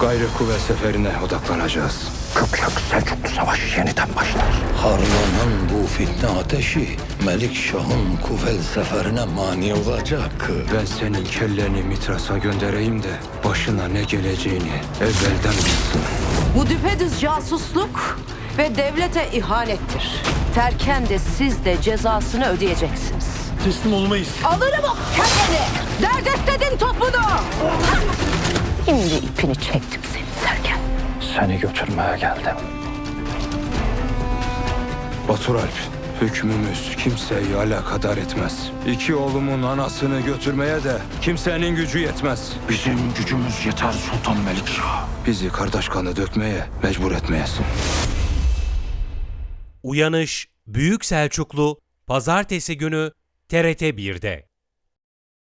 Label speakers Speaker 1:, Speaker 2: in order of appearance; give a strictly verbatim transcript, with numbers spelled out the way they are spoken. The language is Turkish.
Speaker 1: Gayrı kuvvet seferine odaklanacağız.
Speaker 2: Kıpçak Selçuklu Savaşı yeniden başlar.
Speaker 3: Harlanan bu fitne ateşi Melik Şah'ın Kufel seferine mani olacak.
Speaker 1: Ben senin kelleni Mitras'a göndereyim de başına ne geleceğini evvelden bilsin.
Speaker 4: Bu düpedüz casusluk ve devlete ihanettir. Terken de siz de cezasını ödeyeceksiniz.
Speaker 5: Teslim olmayız.
Speaker 4: Alırım o kelleni! Dert istedin topunu! Şimdi ipini çektim senin Terken.
Speaker 2: Seni götürmeye geldim.
Speaker 1: Baturalp, hükmümüz kimseyi alakadar etmez. İki oğlumun anasını götürmeye de kimsenin gücü yetmez.
Speaker 2: Bizim gücümüz yeter Sultan Melikşah.
Speaker 1: Bizi kardeş kanı dökmeye mecbur etmeyesin.
Speaker 6: Uyanış Büyük Selçuklu Pazartesi günü T R T bir'de.